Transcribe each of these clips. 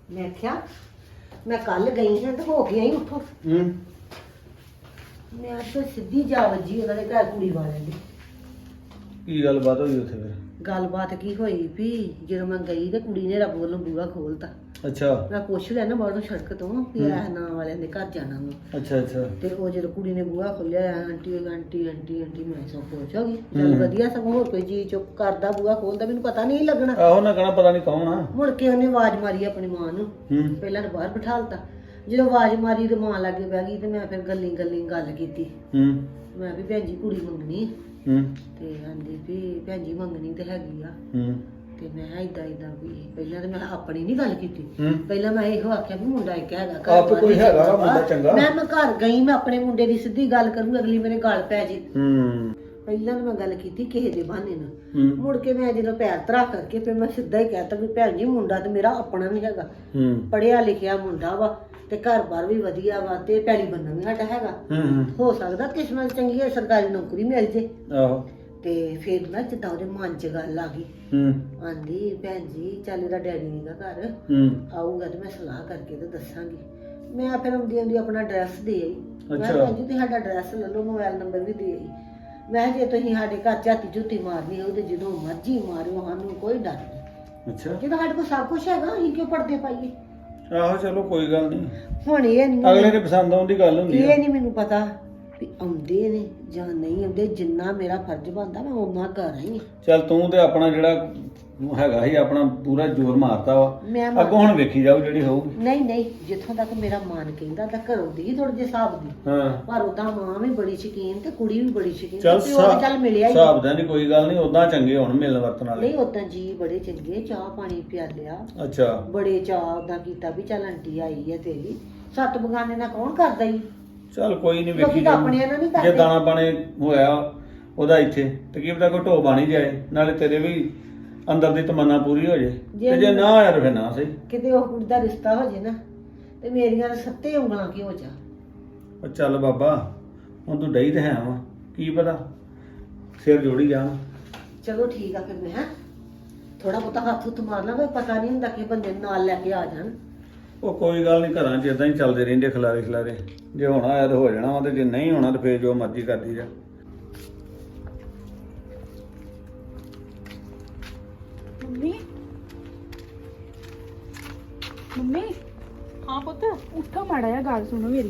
ਮੈਂ ਕਿਹਾ ਮੈਂ ਕੱਲ ਗਈ ਹਾਂ ਤੇ ਹੋ ਕੇ ਆਈ ਉੱਥੋਂ। ਮੈਂ ਅੱਜ ਸਿੱਧੀ ਜਾ ਵੱਜੀ ਉਹਨਾਂ ਦੇ ਘਰ ਕੁੜੀ ਵਾਲਿਆਂ ਦੀ। ਕੀ ਗੱਲਬਾਤ ਹੋਈ ਉੱਥੇ ਫਿਰ? ਗੱਲਬਾਤ ਕੀ ਹੋਈ ਵੀ ਜਦੋਂ ਮੈਂ ਗਈ ਤੇ ਕੁੜੀ ਨੇ ਰੱਬ ਵੱਲੋਂ ਬੂਹਾ ਖੋਲਤਾ। ਅੱਛਾ ਮੈਂ ਪੁੱਛ ਲਿਆ ਨਾ ਬਾਹਰੋਂ ਸੜਕ ਤੋਂ ਕਿ ਇਹ ਨਾਂ ਵਾਲਿਆਂ ਦੇ ਘਰ ਜਾਣਾ ਵਾ। ਅੱਛਾ ਅੱਛਾ। ਤੇ ਉਹ ਜਦੋਂ ਕੁੜੀ ਨੇ ਬੂਹਾ ਖੋਲਿਆ ਆਂਟੀ ਆਂਟੀ ਆਂਟੀ ਆਂਟੀ ਮੈਂ ਸਭ ਪੁੱਛ ਹੋ ਗਈ। ਚੱਲ ਵਧੀਆ, ਸਗੋਂ ਹੋਰ ਕੋਈ ਚੀਜ਼ ਚੁੱਪ ਕਰਦਾ ਬੂਹਾ ਖੋਲਦਾ ਮੈਨੂੰ ਪਤਾ ਨਹੀਂ ਲੱਗਣਾ। ਆਹੋ ਨਾ ਕਹਣਾ ਪਤਾ ਨਹੀਂ ਕੌਣ ਆ। ਮੁੜ ਕੇ ਉਹਨੇ ਆਵਾਜ਼ ਮਾਰੀ ਆਪਣੀ ਮਾਂ ਨੂੰ। ਪਹਿਲਾਂ ਤਾਂ ਬਾਹਰ ਬਿਠਾਲਤਾ। ਜਦੋਂ ਆਵਾਜ਼ ਮਾਰੀ ਤੇ ਮਾਂ ਲਾਗੇ ਬਹਿ ਗਈ ਤੇ ਮੈਂ ਫਿਰ ਗੱਲੀ ਗੱਲ ਕੀਤੀ। ਮੈਂ ਵੀ ਭੈਣ ਜੀ ਕੁੜੀ ਮੰਗਣੀ ਤੇ ਆਂਦੀ ਵੀ ਭੈਣ ਜੀ ਮੰਗਣੀ ਤੇ ਹੈਗੀ ਆ। ਤੇ ਮੈਂ ਏਦਾਂ ਵੀ ਪਹਿਲਾਂ ਤਾਂ ਮੈਂ ਆਪਣੀ ਨਹੀਂ ਗੱਲ ਕੀਤੀ। ਪਹਿਲਾਂ ਮੈਂ ਇਹੋ ਆਖਿਆ ਵੀ ਮੁੰਡਾ ਇੱਕ ਹੈਗਾ ਘਰ। ਆਪ ਕੋਈ ਹੈਗਾ ਵਾ ਮੁੰਡਾ ਚੰਗਾ। ਮੈਂ ਘਰ ਗਈ, ਮੈਂ ਆਪਣੇ ਮੁੰਡੇ ਦੀ ਸਿੱਧੀ ਗੱਲ ਕਰੂੰ, ਅਗਲੀ ਮੇਰੇ ਗੱਲ ਪੈ ਜੇ। ਪਹਿਲਾਂ ਤਾਂ ਮੈਂ ਗੱਲ ਕੀਤੀ ਕਿਸੇ ਦੇ ਬਹਾਨੇ ਨਾਲ। ਮੁੜ ਕੇ ਮੈਂ ਜਦੋਂ ਪੈਰ ਧਰਾ ਕਰਕੇ ਫਿਰ ਮੈਂ ਸਿੱਧਾ ਹੀ ਕਹਿਤਾ ਵੀ ਭੈਣ ਜੀ ਮੁੰਡਾ ਤੇ ਮੇਰਾ ਆਪਣਾ ਵੀ ਹੈਗਾ, ਪੜ੍ਹਿਆ ਲਿਖਿਆ ਮੁੰਡਾ ਵਾ ਤੇ ਘਰ-ਬਾਰ ਵੀ ਵਧੀਆ ਵਾ ਤੇ ਪੈਲੀ ਬੰਨਾ ਵੀ ਸਾਡਾ ਹੈਗਾ। ਹੋ ਸਕਦਾ ਕਿਸਮਤ ਚੰਗੀ ਹੈ, ਸਰਕਾਰੀ ਨੌਕਰੀ ਮਿਲ ਜੇ। ਆਹੋ। ਤੇ ਫਿਰ ਨਾ ਜਿੱਦਾਂ ਉਹਦੇ ਮਨ 'ਚ ਗੱਲ ਆ ਗਈ। ਆਂਦੀ ਭੈਣ ਜੀ ਚੱਲ ਇਹਦਾ ਡੈਡੀ ਨੀਗਾ ਘਰ, ਆਊਗਾ ਤੇ ਮੈਂ ਸਲਾਹ ਕਰਕੇ ਤੇ ਦੱਸਾਂਗੀ। ਮੈਂ ਫਿਰ ਆਉਂਦੀ ਆਪਣਾ ਐਡਰੈਸ ਦੇ ਆਈ। ਮੈਂ ਭੈਣ ਜੀ ਤੁਸੀਂ ਸਾਡਾ ਐਡਰੈਸ ਲੈ ਲਓ, ਮੋਬਾਈਲ ਨੰਬਰ ਵੀ ਦੇ ਆਈ। ਮੈਂ ਜੇ ਤੁਸੀਂ ਸਾਡੇ ਘਰ ਝਾਤੀ ਝੂਤੀ ਮਾਰਨੀ ਹੋਊ ਤੇ ਜਦੋਂ ਮਰਜ਼ੀ ਮਾਰਿਓ, ਸਾਨੂੰ ਕੋਈ ਡਰ ਨਹੀਂ। ਅੱਛਾ। ਜਦੋਂ ਸਾਡੇ ਕੋਲ ਸਭ ਕੁਝ ਹੈਗਾ ਅਸੀਂ ਕਿਉਂ ਪੜਦੇ ਪਾਈਏ। ਆਹੋ ਚਲੋ ਕੋਈ ਗੱਲ ਨਹੀਂ। ਹੁਣ ਇਹ ਨਹੀਂ ਅਗਲੇ ਦੇ ਪਸੰਦ ਆਉਣ ਦੀ ਗੱਲ ਹੁੰਦੀ ਇਹ ਨਹੀਂ ਮੈਨੂੰ ਪਤਾ ਵੀ ਆਉਂਦੇ ਨੇ ਜਾਂ ਨਹੀਂ ਆਉਂਦੇ। ਜਿੰਨਾ ਮੇਰਾ ਫਰਜ਼ ਬਣਦਾ ਮੈਂ ਉਹਨਾਂ ਕਰ ਆਈ। ਚੱਲ ਤੂੰ ਤੇ ਆਪਣਾ ਜਿਹੜਾ ਹੈਗਾ ਸੀ ਆਪਣਾ ਪੂਰਾ ਜ਼ੋਰ ਮਾਰਤਾ ਵਾ। ਅੱਗੋਂ ਹੁਣ ਵੇਖੀ ਜਾਓ ਜਿਹੜੀ ਹੋਊਗੀ। ਨਹੀਂ ਜਿੱਥੋਂ ਤੱਕ ਮੇਰਾ ਮਨ ਕਹਿੰਦਾ ਤਾਂ ਘਰੋਂ ਦੀ ਥੋੜੇ ਜਿਹੇ ਹਿਸਾਬ ਦੀ। ਪਰ ਉਦਾਂ ਮਾਂ ਵੀ ਬੜੀ ਸ਼ਕੀਨ ਤੇ ਕੁੜੀ ਵੀ ਬੜੀ ਸ਼ਕੀਨ। ਚੱਲ ਮਿਲਿਆ ਹੀ ਹਿਸਾਬ ਦਾ ਨਹੀਂ ਕੋਈ ਗੱਲ ਨਹੀਂ, ਉਦਾਂ ਚੰਗੇ ਹੁਣ ਮਿਲਣ ਵਰਤਣ ਵਾਲੇ। ਨਹੀਂ ਉਦਾਂ ਜੀ ਬੜੇ ਚੰਗੇ, ਚਾਹ ਪਾਣੀ ਪਿਆ ਲਿਆ। ਅੱਛਾ। ਬੜੇ ਚਾਹ ਉਦਾਂ ਕੀਤਾ ਵੀ ਚੱਲ ਆਂਟੀ ਆਈ ਹੈ ਤੇਰੀ, ਸੱਤ ਬਗਾਨੇ ਨਾਲ ਕੌਣ ਕਰਦਾ ਹੀ। ਚੱਲ ਕੋਈ ਨਹੀਂ ਵੇਖੀ ਜੇ ਦਾਣਾ ਪਾਣੇ ਹੋਇਆ ਉਹਦਾ ਇੱਥੇ ਤੇ ਕੀ ਪਤਾ ਕੋਈ ਢੋ ਬਾਣੀ ਜਾਏ, ਨਾਲੇ ਤੇਰੇ ਵੀ ਅੰਦਰ ਦੀ ਤਮੰਨਾ ਪੂਰੀ ਹੋ ਜੇ। ਤੇ ਜੇ ਨਾ ਆਇਆ ਫਿਰ ਨਾ ਸਹੀ, ਕਿਤੇ ਉਹ ਕੁੜੀ ਦਾ ਰਿਸ਼ਤਾ ਹੋ ਜੇ ਨਾ ਤੇ ਮੇਰੀਆਂ ਸੱਤੇ ਉਂਗਲਾਂ ਕੀ ਹੋ ਜਾ। ਉਹ ਚੱਲ ਬਾਬਾ ਹੁਣ ਤੂੰ ਡਈ ਤੇ ਹੈ ਵਾ, ਕੀ ਪਤਾ ਸਿਰ ਜੋੜੀ ਜਾਣ। ਚਲੋ ਠੀਕ ਆ ਫਿਰ ਮੈਂ ਥੋੜਾ ਬਹੁਤਾ ਹੱਥ ਹੁੱਥ ਮਾਰ ਲਾਂ, ਕੋਈ ਪਤਾ ਨਹੀਂ ਹੁੰਦਾ ਕਿ ਬੰਦੇ ਨਾਲ ਲੈ ਕੇ ਆ ਜਾਣ। ਉਹ ਕੋਈ ਗੱਲ ਨਹੀਂ, ਘਰਾਂ 'ਚ ਇਦਾਂ ਹੀ ਚੱਲਦੇ ਰਹਿੰਦੇ ਖਿਲਾਰੇ। ਜੇ ਹੋਣਾ ਆਇਆ ਤਾਂ ਹੋ ਜਾਣਾ ਵਾ, ਤੇ ਜੇ ਨਹੀਂ ਹੋਣਾ ਤਾਂ ਫੇਰ ਜੋ ਮਰਜ਼ੀ ਕਰਦੀ ਜਾ। ਮੰਮੀ ਹਾਂ ਪੁੱਤ ਉੱਠੋ ਮਾੜਾ ਜਿਹਾ, ਗੱਲ ਸੁਣੋ ਮੇਰੀ।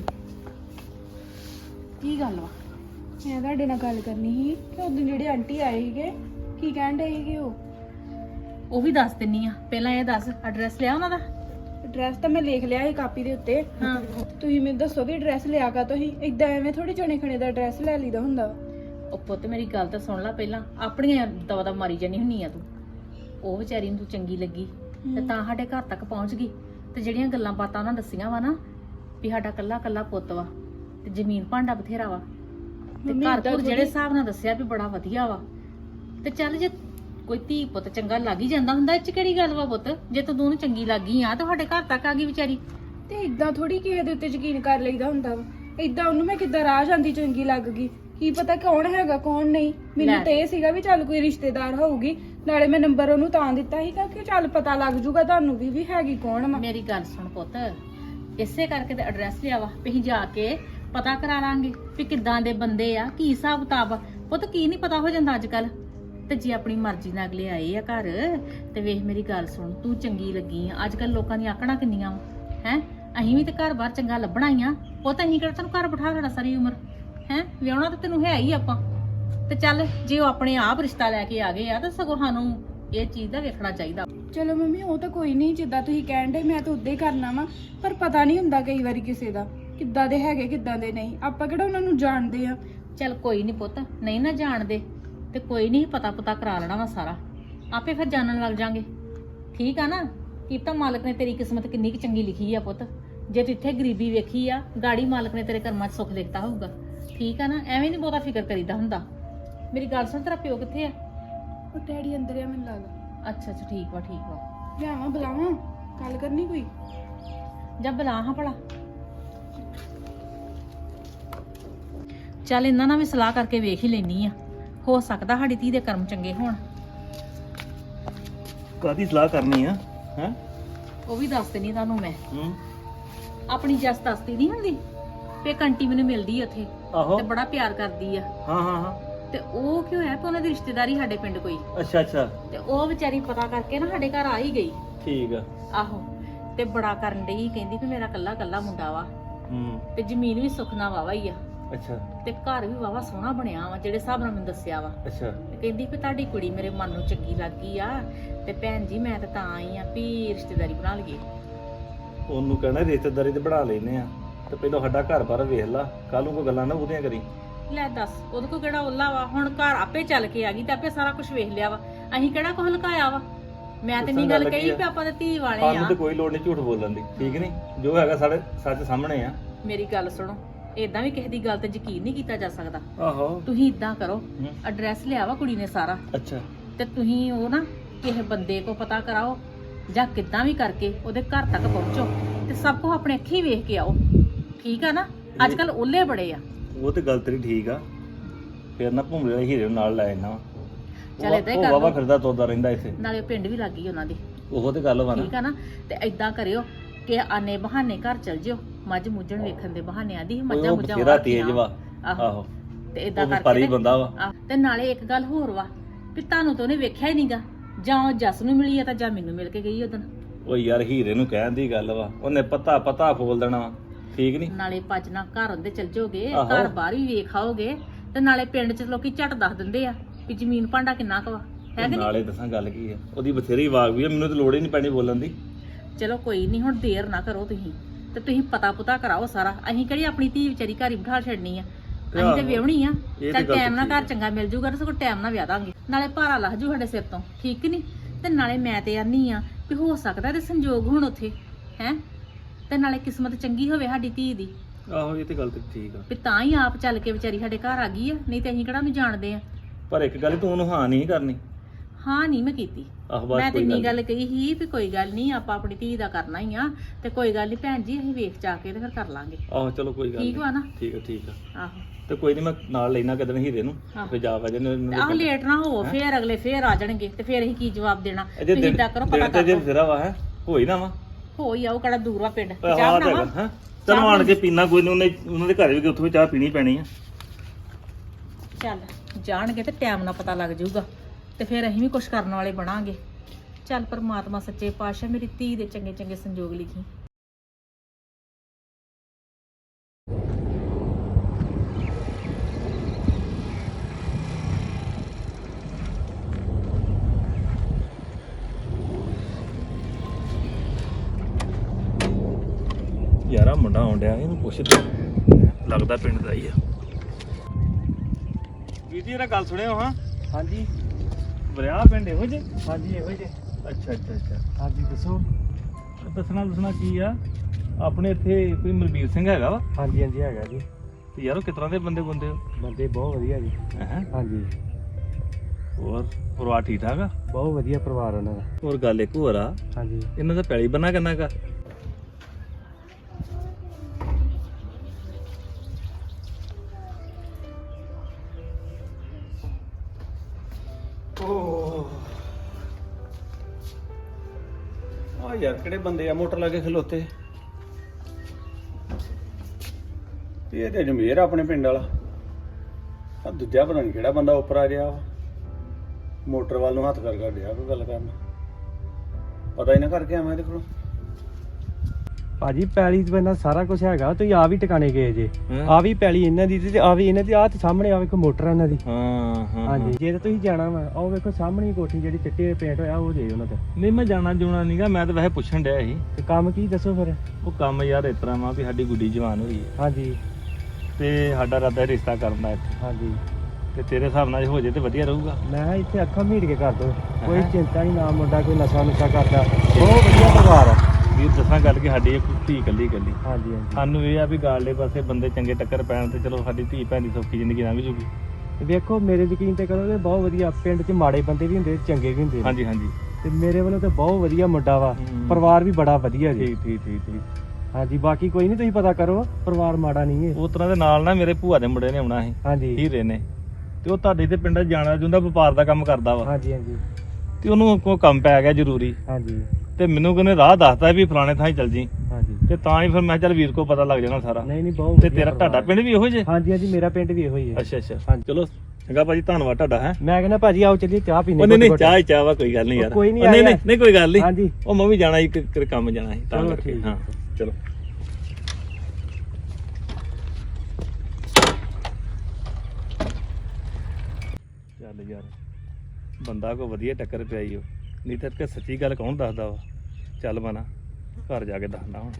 ਕੀ ਗੱਲ ਵਾ? ਮੈਂ ਤੁਹਾਡੇ ਨਾਲ ਗੱਲ ਕਰਨੀ ਸੀ ਕਿ ਉਦੋਂ ਜਿਹੜੇ ਆਂਟੀ ਆਏ ਸੀਗੇ ਕੀ ਕਹਿਣ ਡਏ ਸੀਗੇ? ਉਹ ਵੀ ਦੱਸ ਦਿੰਨੀ ਆ, ਪਹਿਲਾਂ ਇਹ ਦੱਸ ਐਡਰੈਸ ਲਿਆ ਉਹਨਾਂ ਦਾ? ਐਡਰੈਸ ਤਾਂ ਮੈਂ ਲਿਖ ਲਿਆ ਸੀ ਕਾਪੀ ਦੇ ਉੱਤੇ। ਹਾਂ ਤੁਸੀਂ ਮੈਨੂੰ ਦੱਸੋ ਵੀ ਐਡਰੈਸ ਲਿਆ ਕਾ ਤੁਸੀਂ? ਇਦਾਂ ਐਵੇਂ ਥੋੜੀ ਜਣੇ ਖਣੇ ਦਾ ਐਡਰੈਸ ਲੈ ਲਈਦਾ ਹੁੰਦਾ। ਉਹ ਪੁੱਤ ਮੇਰੀ ਗੱਲ ਤਾਂ ਸੁਣ ਲੈ ਪਹਿਲਾਂ, ਆਪਣੀਆਂ ਦਵਾ ਦਾ ਮਾਰੀ ਜਾਨੀ ਹੁੰਨੀ ਆ ਤੂੰ। ਉਹ ਵਿਚਾਰੀ ਨੂੰ ਤੂੰ ਚੰਗੀ ਲੱਗੀ ਤੇ ਤਾਂ ਸਾਡੇ ਘਰ ਤੱਕ ਪਹੁੰਚ ਗਈ, ਤੇ ਜਿਹੜੀਆਂ ਗੱਲਾਂ ਬਾਤਾਂ ਉਹਨਾਂ ਦੱਸੀਆਂ ਵਾ ਨਾ ਵੀ ਸਾਡਾ ਕੱਲਾ ਪੁੱਤ ਵਾ ਤੇ ਜ਼ਮੀਨ ਭਾਂਡਾ ਬਥੇਰਾ ਵਾ ਤੇ ਘਰ ਘਰ ਜਿਹੜੇ ਹਿਸਾਬ ਨਾਲ ਦੱਸਿਆ ਵੀ ਬੜਾ ਵਧੀਆ ਵਾ, ਤੇ ਚੱਲ ਜੇ ਕੋਈ ਧੀ ਪੁੱਤ ਚੰਗਾ ਲੱਗ ਹੀ ਜਾਂਦਾ ਹੁੰਦਾ, ਇਹ ਚ ਕਿਹੜੀ ਗੱਲ ਵਾ ਪੁੱਤ? ਜੇ ਤੂੰ ਦੋਨੋਂ ਚੰਗੀ ਲੱਗ ਗਈ ਆ ਤੇ ਸਾਡੇ ਘਰ ਤੱਕ ਆ ਗਈ ਵਿਚਾਰੀ। ਤੇ ਇਦਾਂ ਥੋੜੀ ਕਿਸੇ ਦੇ ਉੱਤੇ ਯਕੀਨ ਕਰ ਲਈਦਾ ਹੁੰਦਾ ਵਾ। ਇਦਾਂ ਉਹਨੂੰ ਮੈਂ ਕਿੱਦਾਂ ਰਾਹ ਜਾਂਦੀ ਚੰਗੀ ਲੱਗ ਗਈ, ਕੀ ਪਤਾ ਕੌਣ ਹੈਗਾ ਕੌਣ ਨਹੀਂ। ਮੈਨੂੰ ਤੇ ਇਹ ਸੀਗਾ ਵੀ ਚੱਲ ਕੋਈ ਰਿਸ਼ਤੇਦਾਰ ਹੋਊਗੀ, ਨਾਲੇ ਮੈਂ ਨੰਬਰ ਉਹਨੂੰ ਤਾਂ ਦਿੱਤਾ ਸੀ ਕਿ ਚੱਲ ਪਤਾ ਲੱਗ ਜੂਗਾ ਤੁਹਾਨੂੰ ਵੀ ਹੈਗੀ ਕੌਣ। ਮੇਰੀ ਗੱਲ ਸੁਣ ਪੁੱਤ, ਇਸੇ ਕਰਕੇ ਤੇ ਐਡਰੈਸ ਲਿਆ ਵਾ ਵੀ ਅਸੀਂ ਜਾ ਕੇ ਪਤਾ ਕਰਾ ਲਾਂਗੇ ਵੀ ਕਿੱਦਾਂ ਦੇ ਬੰਦੇ ਆ, ਕੀ ਹਿਸਾਬ ਕਿਤਾਬ। ਪੁੱਤ ਕੀ ਨਹੀਂ ਪਤਾ ਹੋ ਜਾਂਦਾ ਅੱਜ ਕੱਲ। ਤੇ ਜੇ ਆਪਣੀ ਮਰਜ਼ੀ ਨਾਲ ਅਗਲੇ ਆਏ ਆ ਘਰ ਤੇ ਵੇਖ ਮੇਰੀ ਗੱਲ ਸੁਣ, ਤੂੰ ਚੰਗੀ ਲੱਗੀ ਆ। ਅੱਜ ਕੱਲ ਲੋਕਾਂ ਦੀਆਂ ਆਕੜਾਂ ਕਿੰਨੀਆਂ ਹੈ, ਅਸੀਂ ਵੀ ਤੇ ਘਰ ਬਾਹਰ ਚੰਗਾ ਲੱਭਣਾ ਹੀ ਆ। ਪੁੱਤ ਅਸੀਂ ਕਿਹੜਾ ਤੈਨੂੰ ਘਰ ਬਿਠਾ ਲੈਣਾ ਸਾਰੀ ਉਮਰ ਹੈ, ਵਿਆਹਣਾ ਤਾਂ ਤੈਨੂੰ ਹੈ ਹੀ ਆਪਾਂ। ਤੇ ਚੱਲ ਜੇ ਉਹ ਆਪਣੇ ਆਪ ਰਿਸ਼ਤਾ ਲੈ ਕੇ ਆ ਗਏ ਆ ਤਾਂ ਸਗੋਂ ਸਾਨੂੰ ਇਹ ਚੀਜ਼ ਦਾ ਵੇਖਣਾ ਚਾਹੀਦਾ। ਚਲੋ ਮੰਮੀ ਉਹ ਤਾਂ ਕੋਈ ਨਹੀਂ, ਜਿੱਦਾਂ ਤੁਸੀਂ ਕਹਿਣ ਦੇ ਮੈਂ ਤਾਂ ਉਦਾਂ ਹੀ ਕਰਨਾ ਵਾ। ਪਰ ਪਤਾ ਨਹੀਂ ਹੁੰਦਾ ਕਈ ਵਾਰੀ ਕਿਸੇ ਦਾ ਕਿੱਦਾਂ ਦੇ ਹੈਗੇ ਕਿੱਦਾਂ ਦੇ ਨਹੀਂ, ਆਪਾਂ ਕਿਹੜਾ ਉਹਨਾਂ ਨੂੰ ਜਾਣਦੇ ਆ। ਚੱਲ ਕੋਈ ਨਹੀਂ ਪੁੱਤ, ਨਹੀਂ ਨਾ ਜਾਣਦੇ ਤੇ ਕੋਈ ਨਹੀਂ, ਪਤਾ ਕਰਾ ਲੈਣਾ ਵਾ ਸਾਰਾ, ਆਪੇ ਫਿਰ ਜਾਣਨ ਲੱਗ ਜਾਾਂਗੇ। ਠੀਕ ਆ ਨਾ? ਕੀ ਤਾਂ ਮਾਲਕ ਨੇ ਤੇਰੀ ਕਿਸਮਤ ਕਿੰਨੀ ਕੁ ਚੰਗੀ ਲਿਖੀ ਆ ਪੁੱਤ। ਜੇ ਤੂੰ ਇੱਥੇ ਗਰੀਬੀ ਵੇਖੀ ਆ, ਗਾੜੀ ਮਾਲਕ ਨੇ ਤੇਰੇ ਕਰਮਾਂ 'ਚ ਸੁੱਖ ਲਿਖਤਾ ਹੋਊਗਾ। ਠੀਕ ਆ ਨਾ? ਐਵੇਂ ਨਹੀਂ ਬਹੁਤਾ ਫਿਕਰ ਕਰੀਦਾ ਹੁੰਦਾ। ਮੇਰੀ ਗੱਲ ਸੁਣ, ਤੇਰਾ ਪਿਓ ਕਿੱਥੇ ਆ? ਉਹ ਡੈਡੀ ਅੰਦਰ ਆ ਮੈਨੂੰ ਲੱਗਦਾ। ਅੱਛਾ ਠੀਕ ਵਾ ਲਿਆਵਾਂ ਬੁਲਾਵਾਂ, ਗੱਲ ਕਰਨੀ ਕੋਈ? ਜਾਂ ਬੁਲਾ ਹਾਂ ਭਲਾ। ਚੱਲ ਇਹਨਾਂ ਨਾਲ ਵੀ ਸਲਾਹ ਕਰਕੇ ਵੇਖ ਹੀ ਲੈਣੀ ਆ, ਹੋ ਸਕਦਾ ਸਾਡੀ ਧੀ ਦੇ ਕਰਮ ਚੰਗੇ ਹੋਣ। ਕਾਦੀ ਸਲਾਹ ਕਰਨੀ ਆ? ਹੈ ਉਹ ਵੀ ਦੱਸ ਦੇਣੀ ਤੁਹਾਨੂੰ ਮੈਂ। ਹੂੰ ਆਪਣੀ ਜੱਸ ਦੱਸਦੀ ਨਹੀਂ ਹੁੰਦੀ ਤੇ ਕੰਟੀ ਮੈਨੂੰ ਮਿਲਦੀ ਆ ਉੱਥੇ ਆਹੋ ਤੇ ਬੜਾ ਪਿਆਰ ਕਰਦੀ ਆ। ਹਾਂ ਹਾਂ ਹਾਂ ਤੇ ਉਹ ਕੀ ਹੋਇਆ ਕਿ ਉਹਨਾਂ ਦੀ ਰਿਸ਼ਤੇਦਾਰੀ ਸਾਡੇ ਪਿੰਡ ਕੋਈ, ਅੱਛਾ ਅੱਛਾ ਤੇ ਉਹ ਵਿਚਾਰੀ ਪਤਾ ਕਰਕੇ ਨਾ ਸਾਡੇ ਘਰ ਆ ਹੀ ਗਈ। ਠੀਕ ਆ। ਆਹੋ ਤੇ ਬੜਾ ਕਰਨ ਡਈ, ਕਹਿੰਦੀ ਵੀ ਮੇਰਾ ਕੱਲਾ ਕੱਲਾ ਮੁੰਡਾ ਵਾ ਹੂੰ ਤੇ ਜ਼ਮੀਨ ਵੀ ਸੁਖਨਾ ਵਾਵਾ ਹੀ ਆ ਅੱਛਾ ਤੇ ਘਰ ਵੀ ਵਾਵਾ ਸੋਹਣਾ ਬਣਿਆ ਵਾ ਜਿਹੜੇ ਹਿਸਾਬ ਨਾਲ ਮੈਨੂੰ ਦੱਸਿਆ ਵਾ। ਅੱਛਾ ਤੇ ਕਹਿੰਦੀ ਵੀ ਤੁਹਾਡੀ ਕੁੜੀ ਮੇਰੇ ਮਨ ਨੂੰ ਚੰਗੀ ਲੱਗੀ ਆ ਤੇ ਭੈਣ ਜੀ ਮੈਂ ਤਾਂ ਆਈ ਆ ਵੀ ਰਿਸ਼ਤੇਦਾਰੀ ਬਣਾ ਲਈਏ। ਉਹਨੂੰ ਕਹਿਣਾ ਰਿਸ਼ਤੇਦਾਰੀ ਤੇ ਬਣਾ ਲੈਨੇ ਆ ਤੇ ਪਹਿਲਾਂ ਸਾਡਾ ਘਰ-ਬਾਰ ਵੇਖ ਲਾ, ਕੱਲ ਨੂੰ ਕੋਈ ਗੱਲਾਂ ਨਾ ਉਹਦੀਆਂ ਕਰੀ। ਲੈ ਦੱਸ ਉਹਦੇ ਕੋਲ ਕਿਹੜਾ ਓਲਾ ਵਾ, ਹੁਣ ਘਰ ਆਪੇ ਚੱਲ ਕੇ ਆ ਗਈ ਤੇ ਆਪੇ ਸਾਰਾ ਕੁਝ ਵੇਖ ਲਿਆ ਵਾ। ਅਸੀਂ ਕਿਹੜਾ ਕੁਝ ਲੁਕਾਇਆ ਵਾ। ਮੈਂ ਤੇ ਨਹੀਂ ਗੱਲ ਕਹੀ ਵੀ ਆਪਾਂ ਤੇ ਧੀ ਵਾਲੇ ਸਾਨੂੰ ਆ। ਤੇ ਕੋਈ ਲੋੜ ਨਹੀਂ ਝੂਠ ਬੋਲਣ ਦੀ, ਠੀਕ ਨਹੀਂ? ਜੋ ਹੈਗਾ ਸਾਡੇ ਸੱਚ ਸਾਹਮਣੇ ਆ। ਮੇਰੀ ਗੱਲ ਸੁਣੋ, ਏਦਾਂ ਵੀ ਕਿਸੇ ਦੀ ਗੱਲ ਤੇ ਯਕੀਨ ਨਹੀਂ ਕੀਤਾ ਜਾ ਸਕਦਾ। ਆਹੋ ਤੁਸੀਂ ਇਦਾਂ ਕਰੋ, ਐਡਰੈਸ ਲਿਆ ਵਾ ਕੁੜੀ ਨੇ ਸਾਰਾ, ਅੱਛਾ ਤੇ ਤੁਸੀਂ ਉਹ ਨਾ ਕਿਸੇ ਬੰਦੇ ਕੋ ਪਤਾ ਕਰਾਓ ਜਾਂ ਕਿੱਦਾਂ ਵੀ ਕਰਕੇ ਉਹਦੇ ਘਰ ਤੱਕ ਪਹੁੰਚੋ ਤੇ ਸਭ ਕੁਝ ਆਪਣੇ ਅੱਖੀਂ ਵੇਖ ਕੇ ਆਓ, ਠੀਕ ਆ ਨਾ? ਅੱਜ ਕੱਲ ਓਲੇ ਬੜੇ ਆ। ਉਹ ਤੇ ਗੱਲ ਤੇਰੀ ਠੀਕ ਆ। ਫਿਰ ਨਾ ਭੁੰਮਲੇ ਵਾਲੇ ਹੀਰੇ ਨੂੰ ਨਾਲ ਲੈ ਜਾਣਾ। ਚੱਲ ਏਦਾਂ ਹੀ ਕਰ ਬਾਬਾ ਲਓ, ਫਿਰਦਾ ਤੋਰਦਾ ਰਹਿੰਦਾ ਇੱਥੇ। ਨਾਲੇ ਉਹ ਪਿੰਡ ਵੀ ਲੱਗ ਗਈ ਉਹਨਾਂ ਦੀ, ਉਹ ਤੇ ਗੱਲ ਵਾ ਨਾ। ਠੀਕ ਆ ਨਾ? ਤੇ ਏਦਾਂ ਕਰਿਓ ਕਿ ਆਨੇ ਬਹਾਨੇ ਘਰ ਚਲ ਜਿਓ, ਮੱਝ ਮੁੱਝਣ ਵੇਖਣ ਦੇ ਬਹਾਨੇ ਆਦੀ ਮੱਝਾਂ ਉਹ ਮੁੱਝਾਂ ਬਥੇਰਾ ਤੇਜ਼ ਵਾ। ਆਹੋ ਆਹੋ ਤੇ ਏਦਾਂ ਉਹ ਕਰਕੇ ਵਪਾਰੀ ਤੇ- ਬੰਦਾ ਵਾ। ਆਹ, ਤੇ ਨਾਲੇ ਇੱਕ ਗੱਲ ਹੋਰ ਵਾ ਵੀ ਤੁਹਾਨੂੰ ਤਾਂ ਉਹਨੇ ਵੇਖਿਆ ਹੀ ਨਹੀਂਗਾ, ਜਾਂ ਉਹ ਜੱਸ ਨੂੰ ਮਿਲੀ ਆ ਤਾਂ ਜਾਂ ਮੈਨੂੰ ਮਿਲ ਕੇ ਗਈ ਉਦੋਂ। ਉਹ ਯਾਰ ਹੀਰੇ ਨੂੰ ਕਹਿਣ ਦੀ ਗੱਲ ਵਾ, ਉਹਨੇ ਪਤਾ ਫੋਲ ਦੇਣਾ ਵਾ, ਠੀਕ ਨਹੀਂ? ਨਾਲੇ ਭੱਜਣਾ ਘਰ ਹੁੰਦੇ ਚਲ ਜਾਓਗੇ, ਆਹੋ। ਘਰ ਬਾਹਰ ਵੀ ਵੇਖ ਆਓਗੇ ਤੇ ਨਾਲੇ ਪਿੰਡ 'ਚ ਲੋਕੀ ਝਟ ਦੱਸ ਦਿੰਦੇ ਆ ਵੀ ਜ਼ਮੀਨ ਭਾਂਡਾ ਕਿੰਨਾ ਕੁ ਵਾ, ਹੈ ਕਿ ਨਹੀਂ? ਨਾਲੇ ਦੱਸਾਂ ਗੱਲ ਕੀ ਆ, ਉਹਦੀ ਬਥੇਰੀ ਵਾਗ ਵੀ ਆ, ਮੈਨੂੰ ਤੇ ਲੋੜ ਹੀ ਨਹੀਂ ਪੈਣੀ ਬੋਲਣ ਦੀ। ਚਲੋ ਕੋਈ ਨਹੀਂ, ਹੁਣ ਦੇਰ ਨਾ ਕਰੋ ਤੁਸੀਂ, ਤੇ ਤੁਸੀਂ ਪਤਾ ਪੁਤਾ ਕਰਾਓ ਸਾਰਾ। ਅਸੀਂ ਕਿਹੜੀ ਆਪਣੀ ਧੀ ਵਿਚਾਰੀ ਘਰ ਹੀ ਬਿਠਾ ਛੱਡਣੀ ਆ, ਅਸੀਂ ਤੇ ਵਿਆਹਣੀ ਆ। ਤੇ ਚੱਲ ਗੱਲ ਟਾਈਮ ਨਾਲ ਠੀਕ ਘਰ ਚੰਗਾ ਮਿਲ ਜੂਗਾ ਤੇ ਸਗੋਂ ਟਾਈਮ ਨਾਲ ਵਿਆਹ ਦਾਂਗੇ, ਨਾਲੇ ਭਾਰਾ ਲੱਹ ਜੂ ਸਾਡੇ ਸਿਰ ਤੋਂ, ਠੀਕ ਕਿ ਨਹੀਂ? ਤੇ ਨਾਲੇ ਮੈਂ ਤੇ ਆਨੀ ਆ ਵੀ ਹੋ ਸਕਦਾ ਤੇ ਸੰਜੋਗ ਹੁਣ ਉੱਥੇ ਹੈ, ਤੇ ਨਾਲੇ ਕਿਸਮਤ ਚੰਗੀ ਹੋਵੇ ਸਾਡੀ ਧੀ ਦੀ, ਆਹੋ ਇਹ ਤੇ ਗੱਲ ਤੇ ਠੀਕ ਆ। ਵੀ ਤਾਂ ਹੀ ਆਪ ਚੱਲ ਕੇ ਵਿਚਾਰੀ ਸਾਡੇ ਘਰ ਆ ਗਈ ਆ, ਨਹੀਂ ਤੇ ਅਸੀਂ ਕਿਹੜਾ ਨੂੰ ਜਾਣਦੇ ਆ। ਪਰ ਇੱਕ ਗੱਲ ਤੂੰ ਉਹਨੂੰ ਹਾਂ ਨਹੀਂ ਕਰਨੀ। ਹਾਂ ਨਹੀਂ ਮੈਂ ਕੀਤੀ, ਆਹੋ ਬਸ ਮੈਂ ਤੇ ਕੋਈ ਇੰਨੀ ਗੱਲ ਗੱਲ ਕਹੀ ਸੀ ਵੀ ਕੋਈ ਗੱਲ ਨਹੀਂ, ਆਪਾਂ ਆਪਣੀ ਧੀ ਦਾ ਕਰਨਾ ਹੀ ਆ, ਤੇ ਕੋਈ ਗੱਲ ਨਹੀਂ ਭੈਣ ਜੀ, ਅਸੀਂ ਵੇਖ ਜਾ ਕੇ ਤੇ ਫਿਰ ਕਰ ਲਾਂਗੇ, ਆਹੋ ਚਲੋ ਕੋਈ ਗੱਲ ਠੀਕ ਵਾ ਨਾ? ਠੀਕ ਆ ਠੀਕ ਆ। ਆਹੋ ਤੇ ਕੋਈ ਨਹੀਂ, ਮੈਂ ਨਾਲ ਲੈਣਾ ਕਿਦਣ ਹੀਰੇ ਨੂੰ, ਆਹੋ। ਫਿਰ ਜਾ ਵਜੇ ਤੇ ਆਹ ਲੇਟ ਨਾ ਹੋ, ਫੇਰ ਅਗਲੇ ਫੇਰ ਆ ਜਾਣਗੇ ਤੇ ਫੇਰ ਅਸੀਂ ਕੀ ਜਵਾਬ ਦੇਣਾ? ਤੁਸੀਂ ਏਦਾਂ ਕਰੋ, ਪਤਾ ਕਰ ਜੇ ਲਓ। ਫਿਰਾ ਵਾ ਹੈ ਹੋਈ ਨਾ ਵਾ ਹੋਈ ਆਓ, ਕਿਹੜਾ ਦੂਰ ਵਾ ਪਿੰਡ, ਆਹ ਚਾਹ ਤੇ ਬਣਾਵਾ? ਹਾਂ ਚਲੋ ਆਣ ਕੇ ਪੀਣਾ ਕੋਈ ਨਹੀਂ, ਉਹਨਾਂ ਦੇ ਘਰ ਵੀ ਉੱਥੋਂ ਵੀ ਚਾਹ ਪੀਣੀ ਪੈਣੀ ਆ। ਚੱਲ ਜਾਣਗੇ ਤੇ ਟਾਈਮ ਨਾਲ ਪਤਾ ਲੱਗ ਜਾਊਗਾ, ਤੇ ਫਿਰ ਅਸੀਂ ਵੀ ਕੁਝ ਕਰਨ ਵਾਲੇ ਬਣਾਂਗੇ। ਚੱਲ ਪਰਮਾਤਮਾ ਸੱਚੇ ਪਾਤਸ਼ਾਹ ਮੇਰੀ ਧੀ ਦੇ ਚੰਗੇ ਚੰਗੇ ਸੰਜੋਗ ਲਿਖੀ। ਯਾਰਾ ਮੁੰਡਾ ਆਉਂਦਿਆ, ਇਹਨੂੰ ਪੁੱਛਦੇ, ਲੱਗਦਾ ਪਿੰਡ ਦਾ ਹੀ ਆ। ਵੀਰ ਜੀ ਇਹਦਾ ਗੱਲ ਸੁਣਿਓ ਹਾਂ। ਹਾਂਜੀ ਵਰਿਆ ਪਿੰਡ ਇਹੋ ਜੇ? ਹਾਂਜੀ ਇਹੋ ਜਿਹੇ। ਅੱਛਾ ਅੱਛਾ ਅੱਛਾ। ਹਾਂਜੀ ਦੱਸੋ। ਦੱਸਣਾ ਕੀ ਆ, ਆਪਣੇ ਇੱਥੇ ਕੋਈ ਮਲਬੀਰ ਸਿੰਘ ਹੈਗਾ ਵਾ? ਹਾਂਜੀ ਹਾਂਜੀ ਹੈਗਾ ਜੀ। ਤੇ ਯਾਰ ਉਹ ਕਿਸ ਤਰ੍ਹਾਂ ਦੇ ਬੰਦੇ ਹੋ? ਬੰਦੇ ਬਹੁਤ ਵਧੀਆ ਜੀ। ਹੈਂ? ਹਾਂਜੀ ਹੋਰ ਪਰਿਵਾਰ ਠੀਕ ਠਾਕ ਆ? ਬਹੁਤ ਵਧੀਆ ਪਰਿਵਾਰ ਉਹਨਾਂ ਦਾ। ਹੋਰ ਗੱਲ ਇੱਕ ਹੋਰ ਆ, ਹਾਂਜੀ ਇਹਨਾਂ ਦਾ ਪੈਲੀ ਬੰਨਾ ਕਿੰਨਾ ਕਾ? ਆ ਯਾਰ ਕਿਹੜੇ ਬੰਦੇ ਆ ਮੋਟਰ ਲਾ ਕੇ ਖਲੋਤੇ? ਇਹ ਤੇ ਜਮੀਰ ਆਪਣੇ ਪਿੰਡ ਵਾਲਾ। ਆ ਦੂਜਾ ਪਤਾ ਨਹੀਂ ਕਿਹੜਾ ਬੰਦਾ ਉੱਪਰ ਆ ਰਿਹਾ ਵਾ, ਮੋਟਰ ਵੱਲ ਨੂੰ ਹੱਥ ਕਰ ਡਿਆ ਕੋਈ ਗੱਲ ਕਰਨਾ। ਪਤਾ ਹੀ ਨਾ ਕਰਕੇ ਆਵਾਂ ਇਹਦੇ ਕੋਲੋਂ। ਭਾਜੀ ਪੈਲੀ ਚ ਇਹਨਾਂ ਸਾਰਾ ਕੁਝ ਹੈਗਾ, ਤੁਸੀਂ ਆ ਵੀ ਟਿਕਾਣੇ ਗਏ ਜੇ। ਹੈਂ? ਆ ਵੀ ਪੈਲੀ ਇਹਨਾਂ ਦੀ ਤੇ ਆ ਵੀ ਇਹਨਾਂ ਦੀ। ਆ ਤੇ ਸਾਹਮਣੇ ਆ ਵੇਖੋ ਮੋਟਰ ਇਹਨਾਂ ਦੀ। ਹਾਂ ਹਾਂ ਹਾਂਜੀ ਜੇ ਤਾਂ ਤੁਸੀਂ ਜਾਣਾ ਵਾ, ਉਹ ਵੇਖੋ ਸਾਹਮਣੇ ਹੀ ਕੋਠੀ ਜਿਹੜੀ ਚਿੱਟੇ ਪੇਂਟ ਹੋਇਆ ਉਹ ਜੇ ਉਹਨਾਂ ਤੇ। ਨਹੀਂ ਮੈਂ ਜਾਣਾ ਜੂਣਾ ਨਹੀਂਗਾ, ਮੈਂ ਤਾਂ ਵੈਸੇ ਪੁੱਛਣ ਡਿਆ ਸੀ। ਤੇ ਕੰਮ ਕੀ ਦੱਸੋ ਫਿਰ? ਉਹ ਕੰਮ ਯਾਰ ਇਸ ਤਰ੍ਹਾਂ ਵਾ ਵੀ ਸਾਡੀ ਗੁੱਡੀ ਜਵਾਨ ਹੋਈ ਹੈ ਹਾਂਜੀ ਤੇ ਸਾਡਾ ਇਰਾਦਾ ਰਿਸ਼ਤਾ ਕਰਨਾ ਇੱਥੇ, ਹਾਂਜੀ ਤੇ ਤੇਰੇ ਹਿਸਾਬ ਨਾਲ ਜੇ ਹੋ ਜੇ ਤੇ ਵਧੀਆ ਰਹੂਗਾ। ਮੈਂ ਕਿਹਾ ਇੱਥੇ ਅੱਖਾਂ ਮੀਟ ਕੇ ਕਰ ਦੋ, ਕੋਈ ਹੈਂ? ਚਿੰਤਾ ਨਹੀਂ, ਨਾ ਮੁੰਡਾ ਕੋਈ ਨਸ਼ਾ ਨੁਸ਼ਾ ਕਰਦਾ, ਬਹੁਤ ਵਧੀਆ ਪਰਿਵਾਰ ਆ। ਵੀਰ ਦੱਸਾਂ ਗੱਲ ਕਿ ਸਾਡੀ ਇੱਕ ਧੀ ਇਕੱਲੀ ਹਾਂਜੀ ਹਾਂਜੀ ਸਾਨੂੰ ਇਹ ਆ ਵੀ ਗਾਲਲੇ ਪਾਸੇ ਬੰਦੇ ਚੰਗੇ ਟੱਕਰ ਪੈਣ ਤੇ ਚਲੋ ਸਾਡੀ ਧੀ ਭੈਣ ਦੀ ਸੌਖੀ ਜ਼ਿੰਦਗੀ ਲੰਘ ਜੂਗੀ। ਤੇ ਵੇਖੋ ਮੇਰੇ ਯਕੀਨ ਤੇ ਕਰੋ ਤੇ ਬਹੁਤ ਵਧੀਆ। ਪਿੰਡ 'ਚ ਮਾੜੇ ਬੰਦੇ ਵੀ ਹੁੰਦੇ, ਚੰਗੇ ਵੀ ਹੁੰਦੇ ਨੇ। ਹਾਂਜੀ ਹਾਂਜੀ ਤੇ ਮੇਰੇ ਵੱਲੋਂ ਤੇ ਬਹੁਤ ਵਧੀਆ ਮੁੰਡਾ ਵਾ, ਹੂੰ। ਪਰਿਵਾਰ ਵੀ ਬੜਾ ਵਧੀਆ ਜੀ। ਠੀਕ ਠੀਕ ਠੀਕ ਠੀਕ। ਹਾਂਜੀ ਬਾਕੀ ਕੋਈ ਨਹੀਂ, ਤੁਸੀਂ ਪਤਾ ਕਰੋ, ਪਰਿਵਾਰ ਮਾੜਾ ਨਹੀਂ ਹੈ। ਉਸ ਤਰ੍ਹਾਂ ਦੇ ਨਾਲ ਨਾ ਮੇਰੇ ਭੂਆ ਦੇ ਮੁੰਡੇ ਨੇ ਆਉਣਾ ਸੀ, ਹਾਂਜੀ ਹੀਰੇ ਨੇ, ਤੇ ਉਹ ਤੁਹਾਡੇ ਤੇ ਪਿੰਡ ਜਾਣਾ ਜੁੰਦਾ ਵਪਾਰ ਦਾ ਕੰਮ ਕਰਦਾ ਵਾ, ਹਾਂਜੀ ਹਾਂਜੀ ਤੇ ਉਹਨੂੰ ਕੋਈ ਕੰਮ ਪੈ ਗਿਆ ਜ਼ਰੂਰੀ, ਹਾਂਜੀ ਤੇ ਮੈਨੂੰ ਕਹਿੰਦੇ ਰਾਹ ਦੱਸਦਾ ਵੀ ਫਲਾਣੇ ਥਾਂ ਹੀ ਚੱਲ ਜੀ ਹਾਂਜੀ ਤੇ ਤਾਂ ਹੀ ਫਿਰ ਮੈਂ ਕਿਹਾ ਚੱਲ ਵੀਰ ਕੋ ਪਤਾ ਲੱਗ ਜਾਣਾ ਸਾਰਾ। ਨਹੀਂ ਨਹੀਂ ਬਹੁਤ ਤੇ ਵਧੀਆ ਤੇਰਾ ਤੁਹਾਡਾ ਪਰਿਵਾਰ। ਪਿੰਡ ਵੀ ਇਹੋ ਜੇ? ਹਾਂਜੀ ਹਾਂਜੀ ਮੇਰਾ ਪਿੰਡ ਵੀ ਇਹੋ ਹੀ ਹੈ। ਅੱਛਾ ਅੱਛਾ ਹਾਂਜੀ। ਚਲੋ ਚੰਗਾ ਭਾਜੀ, ਧੰਨਵਾਦ ਤੁਹਾਡਾ ਹੈ। ਮੈਂ ਕਹਿੰਦਾ ਭਾਜੀ ਆਓ ਚੱਲੀਏ ਚਾਹ ਪੀਣੇ ਉਹ ਨਹੀਂ ਨਹੀਂ ਚਾਹ ਹੀ ਚਾਹ ਵਾ, ਕੋਈ ਗੱਲ ਨਹੀਂ ਯਾਰ। ਕੋਈ ਨਹੀਂ ਉਹ ਨਹੀਂ ਆਇਆ। ਨਹੀਂ ਨਹੀਂ ਕੋਈ ਗੱਲ ਨਹੀਂ। ਹਾਂਜੀ। ਉਹ ਮੈਂ ਵੀ ਜਾਣਾ ਸੀ ਕਿਤੇ ਕੰਮ ਜਾਣਾ ਸੀ ਤਾਂ ਚਲੋ ਕਰਕੇ। ਠੀਕ ਹਾਂ ਚਲੋ। ਚੱਲ ਯਾਰ ਬੰਦਾ ਕੋ ਵਧੀਆ ਟੱਕਰ ਪਿਆ ਈ ਉਹ, ਨਹੀਂ ਤਾਂ ਕਿ ਸੱਚੀ ਗੱਲ ਕੌਣ ਦੱਸਦਾ ਵਾ। ਚੱਲ ਮਨਾ ਘਰ ਜਾ ਕੇ ਦੱਸਦਾ ਹੁਣ।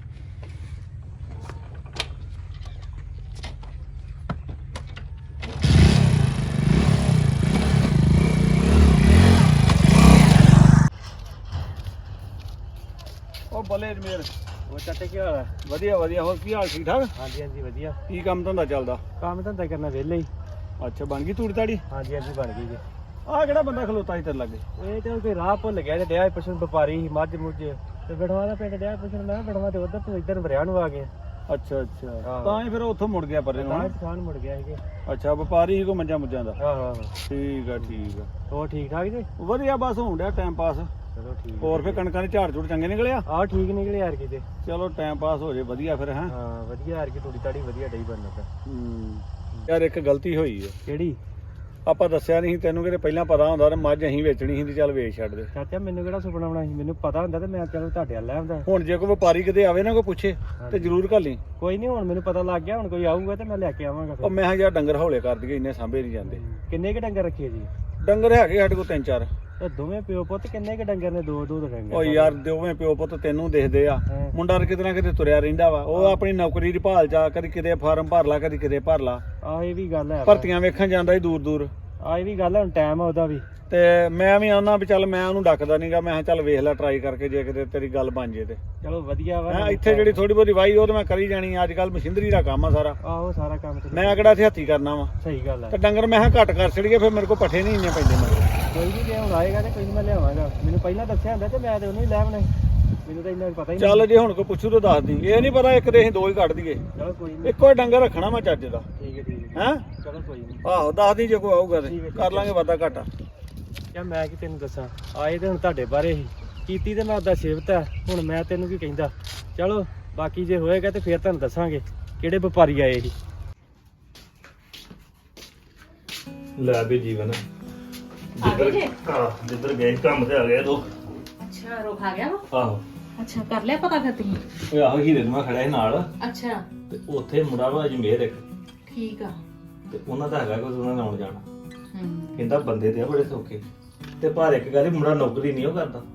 ਉਹ ਬੱਲੇ ਜਮੇਰ, ਉਹ ਚਾਚਾ ਕੀ ਹਾਲ ਹੈ? ਵਧੀਆ ਵਧੀਆ। ਹੋਰ ਕੀ ਹਾਲ, ਠੀਕ ਠਾਕ? ਹਾਂਜੀ ਹਾਂਜੀ ਵਧੀਆ। ਕੀ ਕੰਮ ਧੰਦਾ ਚੱਲਦਾ? ਕੰਮ ਧੰਦਾ ਕਰਨਾ ਵਿਹਲੇ ਹੀ। ਅੱਛਾ, ਬਣ ਗਈ ਤੂੜੀ ਤਾੜੀ? ਹਾਂਜੀ ਹਾਂਜੀ ਬਣ ਗਈ ਜੀ। ਆਹ ਕਿਹੜਾ ਬੰਦਾ ਖਲੋਤਾ ਸੀ ਤੇਰੇ ਲਾਗੇ? ਇਹ ਤੇ ਕੋਈ ਰਾਹ ਭੁੱਲ ਗਿਆ ਤੇ ਡਿਆ ਪੁੱਛਣ ਵਪਾਰੀ ਸੀ ਮੱਝ ਮੁੱਝ ਤੇ ਬੜਵਾ ਦਾ ਪਿੰਡ ਡਿਆ ਪੁੱਛਣ। ਮੈਂ ਬੜਵਾ ਤੇ ਉਧਰ ਤੋਂ ਇੱਧਰ ਵਰਿਆ ਨੂੰ ਆ ਗਏ। ਅੱਛਾ ਅੱਛਾ, ਆਹੋ। ਤਾਂ ਹੀ ਫਿਰ ਉੱਥੋਂ ਮੁੜ ਗਿਆ ਪਰੇ ਨੂੰ ਤਾਂ ਹੈਂ? ਦੁਕਾਨ ਮੁੜ ਗਿਆ ਸੀਗੇ। ਅੱਛਾ, ਵਪਾਰੀ ਸੀ ਕੋ ਮੱਝਾਂ ਮੁੱਝਾਂ ਦਾ? ਆਹੋ ਆਹੋ। ਠੀਕ ਆ ਠੀਕ ਆ। ਹੋਰ ਠੀਕ ਠਾਕ ਜੀ? ਵਧੀਆ, ਬਸ ਹੋਣ ਡਿਆ ਟਾਈਮ ਪਾਸ। ਚਲੋ ਠੀਕ। ਹੋਰ ਫਿਰ ਕਣਕਾਂ ਦੇ ਝਾੜ ਝੂੜ ਚੰਗੇ ਨਿਕਲਿਆ? ਆਹ ਠੀਕ ਨਿਕਲੇ ਯਾਰ ਕਿਤੇ। ਚਲੋ ਟਾਈਮ ਪਾਸ ਹੋ ਜੇ ਵਧੀਆ ਫਿਰ, ਹੈਂ? ਹਾਂ ਵਧੀਆ ਯਾਰ ਕੀ ਥੋੜੀ ਤਾੜੀ ਵਧੀਆ ਡਈ ਬਣਨ ਲੱਗਾ। ਯਾਰ ਇੱਕ ਗਲਤੀ ਹੋਈ ਹੈ, ਕਿਹੜੀ? ਆਪਾਂ ਦੱਸਿਆ ਨਹੀਂ ਤੈਨੂੰ, ਕਿਤੇ ਪਹਿਲਾਂ ਪਤਾ ਹੁੰਦਾ ਤੇ ਮੱਝ ਅਸੀਂ ਵੇਚਣੀ ਸੀ ਤੇ ਚੱਲ ਵੇਚ ਛੱਡਦੇ। ਚਾਚਾ ਮੈਨੂੰ ਕਿਹੜਾ ਸੁਪਨਾ ਆਉਣਾ ਸੀ? ਮੈਨੂੰ ਪਤਾ ਹੁੰਦਾ ਤੇ ਮੈਂ ਚਲੋ ਤੁਹਾਡੇ ਵੱਲ ਲੈ ਆਉਂਦਾ। ਹੁਣ ਜੇ ਕੋਈ ਵਪਾਰੀ ਕਿਤੇ ਆਵੇ ਨਾ ਕੋਈ ਪੁੱਛੇ ਤੇ ਜ਼ਰੂਰ ਘੱਲੀ। ਕੋਈ ਨਹੀਂ ਹੁਣ ਮੈਨੂੰ ਪਤਾ ਲੱਗ ਗਿਆ, ਹੁਣ ਕੋਈ ਆਊਗਾ ਤੇ ਮੈਂ ਲੈ ਕੇ ਆਵਾਂਗਾ ਉਹ ਫਿਰ। ਮੈਂ ਕਿਹਾ ਯਾਰ ਡੰਗਰ ਹੌਲੇ ਕਰ ਦਈਏ, ਇੰਨੇ ਸਾਂਭੇ ਨਹੀਂ ਜਾਂਦੇ। ਕਿੰਨੇ ਕ ਡੰਗਰ ਰੱਖੇ ਜੀ? ਡੰਗਰ ਹੈਗੇ ਸਾਡੇ ਕੋਲ 3-4। ਤੇ ਦੋਵੇਂ ਪਿਓ ਪੁੱਤ ਕਿੰਨੇ ਕ ਡੰਗਰ ਨੇ? ਦੋ ਦੋ ਡੰਗਰ। ਉਹ ਯਾਰ ਦੋਵੇਂ ਪਿਓ ਪੁੱਤ ਤੈਨੂੰ ਦੇਖਦੇ ਆ, ਹਾਂ। ਮੁੰਡਾ ਤਾਂ ਕਿਤੇ ਨਾ ਕਿਤੇ ਤੁਰਿਆ ਰਹਿੰਦਾ ਵਾ। ਉਹ ਆਪਣੀ ਨੌਕਰੀ ਦੀ ਭਾਲ ਚ ਆ, ਕਦੀ ਕਿਤੇ ਫਾਰਮ ਭਰ ਲਾ, ਕਦੀ ਕਿਤੇ ਭਰ ਲਾ। ਆਹ ਇਹ ਵੀ ਗੱਲ ਹੈ। ਭਰਤੀਆਂ ਵੇਖਣ ਜਾਂਦਾ ਸੀ ਦੂਰ ਦੂਰ। ਆਹ ਇਹ ਵੀ ਗੱਲ ਹੈ, ਹੁਣ ਟਾਈਮ ਆ ਉਹਦਾ ਵੀ। ਤੇ ਮੈਂ ਵੀ ਆਉਣਾ ਵੀ ਚੱਲ, ਮੈਂ ਉਹਨੂੰ ਡੱਕਦਾ ਨਹੀਂਗਾ। ਮੈਂ ਕਿਹਾ ਚੱਲ ਵੇਖ ਲੈ ਟਰਾਈ ਕਰਕੇ, ਜੇ ਕਿਤੇ ਤੇਰੀ ਗੱਲ ਬਣ ਜੇ ਤੇ। ਚਲੋ ਵਧੀਆ ਵਾ। ਮੈਂ ਇੱਥੇ ਜਿਹੜੀ ਥੋੜੀ ਬਹੁਤੀ ਵਾਈ ਉਹ ਤੇ ਮੈਂ ਕਰੀ ਜਾਣੀ। ਅੱਜ ਕੱਲ ਮਸ਼ੀਨਰੀ ਦਾ ਕੰਮ ਆ ਸਾਰਾ, ਆਹੋ ਸਾਰਾ ਕੰਮ ਤੇ ਮੈਂ ਕਿਹੜਾ ਇੱਥੇ ਹੱਥੀ ਕਰਨਾ ਵਾ। ਸਹੀ ਗੱਲ ਹੈ। ਤੇ ਡੰਗਰ ਮੈਂ ਕਿਹਾ ਘੱਟ ਕਰ ਛੜੀਏ, ਫਿਰ ਮੇਰੇ ਕੋਲ ਪੱਠੇ ਨਹੀਂ ਇੰਨੇ ਪੈਂਦੇ ਮਗਰ। ਕੋਈ ਨਹੀਂ ਜੇ ਹੁਣ ਆਏਗਾ ਤੇ ਕੋਈ ਨੀ ਮੈਂ ਲਿਆਵਾਂਗਾ। ਮੈਨੂੰ ਪਹਿਲਾਂ ਦੱਸਿਆ ਹੁੰਦਾ ਤੇ ਮੈਂ ਤੇ ਉਹਨੂੰ ਹੀ ਲੈ ਆਉਣਾ ਸੀ। ਮੈਨੂੰ ਤਾਂ ਇੰਨਾ ਪਤਾ ਹੀ ਨਹੀਂ। ਚੱਲ ਜੇ ਹੁਣ ਕੋਈ ਪੁੱਛੂ ਤਾਂ ਦੱਸ ਦੀ। ਇਹ ਨਹੀਂ ਪਤਾ ਇੱਕ ਦੇ ਅਸੀਂ ਦੋ ਹੀ ਕੱਢ ਦਈਏ। ਚਲੋ ਕੋਈ ਨਹੀਂ। ਇੱਕੋ ਹੀ ਡੰਗਰ ਰੱਖਣਾ ਮੈਂ ਚੱਜ ਦਾ, ਠੀਕ ਹੈ ਠੀਕ ਹੈ। ਹੈਂ? ਚਲੋ ਕੋਈ ਨਹੀਂ। ਆਹੋ ਦੱਸ ਦੀ ਜੇ ਕੋਈ ਆਊਗਾ ਤੇ ਠੀਕ ਹੈ, ਕਰ ਲਾਂਗੇ ਵਾਧਾ ਘਾਟਾ। ਯਾ ਮੈਂ ਕੀ ਤੈਨੂੰ ਦੱਸਾਂ, ਆਏ ਤੇ ਹੁਣ ਤੁਹਾਡੇ ਬਾਰੇ ਹੀ ਕੀਤੀ ਤੇ ਮੈਂ ਉਹਦਾ ਸਿਫਤ ਹੈ। ਹੁਣ ਮੈਂ ਤੈਨੂੰ ਕੀ ਕਹਿੰਦਾ। ਚਲੋ ਬਾਕੀ ਜੇ ਹੋਏਗਾ ਤੇ ਫਿਰ ਤੁਹਾਨੂੰ ਦੱਸਾਂਗੇ ਕਿਹੜੇ ਵਪਾਰੀ ਆਏ ਸੀ। ਲੈ ਵੀ ਜੀਵਨ ਜਿੱਧਰ ਗਏ ਕੰਮ ਤੇ ਆ ਗਏ ਦੋ। ਅੱਛਾ ਰੁਕ ਆ ਗਿਆ ਵਾ? ਆਹੋ ਅੱਛਾ ਕਰ ਲਿਆ ਪਤਾ ਫਿਰ ਤੁਸੀਂ? ਉਹ ਆਹੋ ਹੀਰੇ ਨੂੰ ਮੈਂ ਖੜਿਆ ਸੀ ਨਾਲ, ਅੱਛਾ ਤੇ ਉੱਥੇ ਮੁੰਡਾ ਵਾ ਅਜਮੇਰ ਇੱਕ, ਠੀਕ ਆ। ਤੇ ਉਹਨਾਂ ਦਾ ਹੈਗਾ ਕੋਈ ਉਹਨਾਂ ਨਾਲ ਆਉਣ ਜਾਣਾ। ਹੂੰ ਕਹਿੰਦਾ ਬੰਦੇ ਤੇ ਆ ਬੜੇ ਸੌਖੇ, ਤੇ ਪਰ ਇੱਕ ਗੱਲ ਮੁੰਡਾ ਨੌਕਰੀ ਨਹੀਂ ਉਹ ਕਰਦਾ।